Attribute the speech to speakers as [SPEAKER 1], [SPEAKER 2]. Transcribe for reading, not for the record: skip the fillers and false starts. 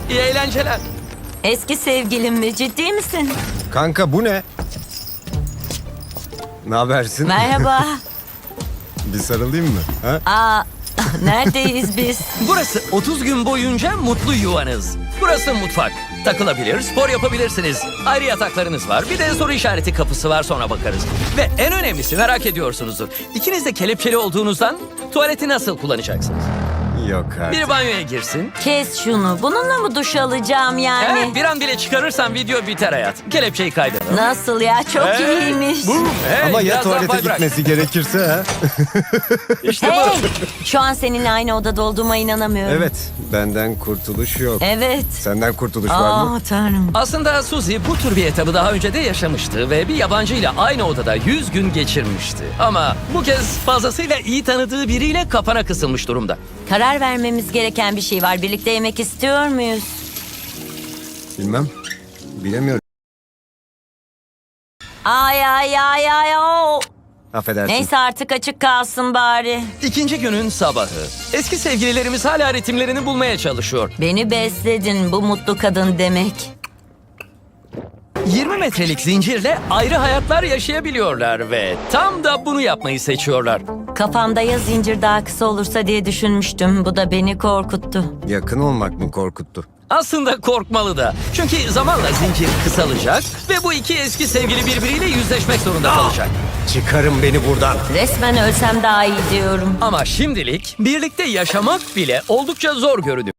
[SPEAKER 1] İyi eğlenceler.
[SPEAKER 2] Eski sevgilim mi? Ciddi misin?
[SPEAKER 3] Kanka bu ne? Ne habersin?
[SPEAKER 2] Merhaba.
[SPEAKER 3] Bir sarılayım mı? Ha?
[SPEAKER 2] Aa, neredeyiz biz?
[SPEAKER 1] Burası 30 gün boyunca mutlu yuvanız. Burası mutfak. Takılabilir, spor yapabilirsiniz. Ayrı yataklarınız var. Bir de soru işareti kapısı var, sonra bakarız. Ve en önemlisi, merak ediyorsunuzdur. İkiniz de kelepçeli olduğunuzdan tuvaleti nasıl kullanacaksınız?
[SPEAKER 3] Yok artık.
[SPEAKER 1] Biri banyoya girsin.
[SPEAKER 2] Kes şunu. Bununla mı duş alacağım yani?
[SPEAKER 1] Evet, bir an bile çıkarırsan video biter hayat. Kelepçeyi kaydırın.
[SPEAKER 2] Nasıl ya? Çok iyiymiş.
[SPEAKER 1] Boom. Hey,
[SPEAKER 3] Ama ya
[SPEAKER 1] biraz daha
[SPEAKER 3] tuvalete
[SPEAKER 1] pay bırak.
[SPEAKER 3] gitmesi gerekirse ha?
[SPEAKER 1] İşte
[SPEAKER 2] Hey!
[SPEAKER 1] bu.
[SPEAKER 2] Şu an seninle aynı odada olduğuma inanamıyorum.
[SPEAKER 3] Evet, benden kurtuluş yok.
[SPEAKER 2] Evet.
[SPEAKER 3] Senden kurtuluş var mı?
[SPEAKER 2] Aa tanrım.
[SPEAKER 1] Aslında Suzy bu tür bir etabı daha önce de yaşamıştı ve bir yabancıyla aynı odada 100 gün geçirmişti. Ama bu kez fazlasıyla iyi tanıdığı biriyle kapana kısılmış durumda.
[SPEAKER 2] Karar vermemiz gereken bir şey var. Birlikte yemek istiyor muyuz?
[SPEAKER 3] Bilmem. Bilemiyorum.
[SPEAKER 2] Ay ay ay ay. Oo.
[SPEAKER 3] Affedersin.
[SPEAKER 2] Neyse artık açık kalsın bari.
[SPEAKER 1] İkinci günün sabahı. Eski sevgililerimiz hala ritimlerini bulmaya çalışıyor.
[SPEAKER 2] Beni besledin, bu mutlu kadın demek.
[SPEAKER 1] 20 metrelik zincirle ayrı hayatlar yaşayabiliyorlar ve tam da bunu yapmayı seçiyorlar.
[SPEAKER 2] Kafamda ya zincir daha kısa olursa diye düşünmüştüm. Bu da beni korkuttu.
[SPEAKER 3] Yakın olmak mı korkuttu?
[SPEAKER 1] Aslında korkmalı da. Çünkü zamanla zincir kısalacak ve bu iki eski sevgili birbiriyle yüzleşmek zorunda kalacak.
[SPEAKER 3] Çıkarın beni buradan.
[SPEAKER 2] Resmen ölsem daha iyi diyorum.
[SPEAKER 1] Ama şimdilik birlikte yaşamak bile oldukça zor görünüyor.